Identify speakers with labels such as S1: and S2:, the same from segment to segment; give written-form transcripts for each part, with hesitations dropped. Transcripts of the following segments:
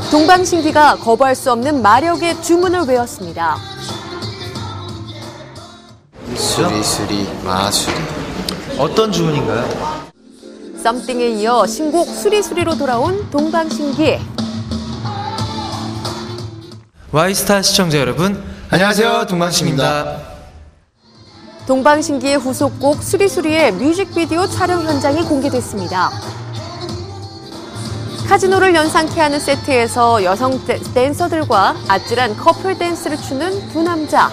S1: 동방신기가 거부할 수 없는 마력의 주문을 외웠습니다.
S2: 수리수리 마수리.
S3: 어떤 주문인가요?
S1: 썸띵에 이어 신곡 수리수리로 돌아온 동방신기.
S3: 와이스타 시청자 여러분,
S2: 안녕하세요, 동방신기입니다.
S1: 동방신기의 후속곡 수리수리의 뮤직비디오 촬영 현장이 공개됐습니다. 카지노를 연상케 하는 세트에서 여성 댄서들과 아찔한 커플 댄스를 추는 두 남자.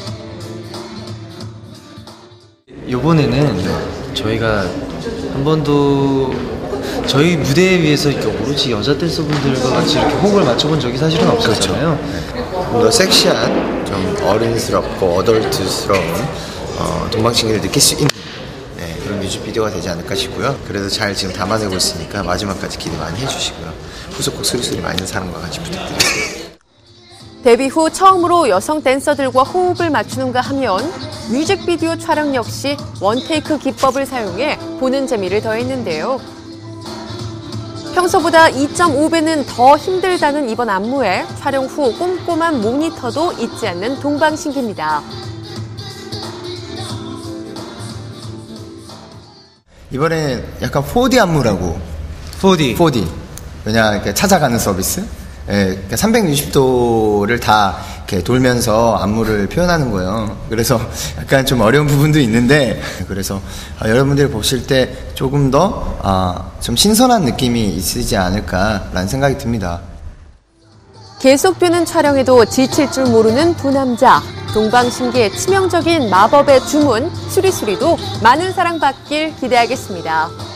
S3: 이번에는 저희가 한 번도 저희 무대에 비해서 이렇게 오로지 여자 댄서분들과 같이 이렇게 호흡을 맞춰본 적이 사실은 없었잖아요.
S2: 좀 더 섹시한, 좀 어른스럽고 어덜트스러운 동방신기를 느낄 수 있는 그런 뮤직비디오가 되지 않을까 싶고요. 그래도 잘 지금 담아내고 있으니까 마지막까지 기대 많이 해주시고요. 후속곡 수리수리 많은 사랑과 같이 부탁드리겠습니다.
S1: 데뷔 후 처음으로 여성 댄서들과 호흡을 맞추는가 하면 뮤직비디오 촬영 역시 원테이크 기법을 사용해 보는 재미를 더했는데요. 평소보다 2.5배는 더 힘들다는 이번 안무에 촬영 후 꼼꼼한 모니터도 잊지 않는 동방신기입니다.
S2: 이번에는 약간 4D 안무라고. 4D. 왜냐, 이렇게 찾아가는 서비스? 그러니까 360도를 다 이렇게 돌면서 안무를 표현하는 거예요. 그래서 약간 좀 어려운 부분도 있는데, 그래서 여러분들이 보실 때 조금 더 좀 신선한 느낌이 있으지 않을까라는 생각이 듭니다.
S1: 계속되는 촬영에도 지칠 줄 모르는 두 남자. 동방신기의 치명적인 마법의 주문 수리수리도 많은 사랑받길 기대하겠습니다.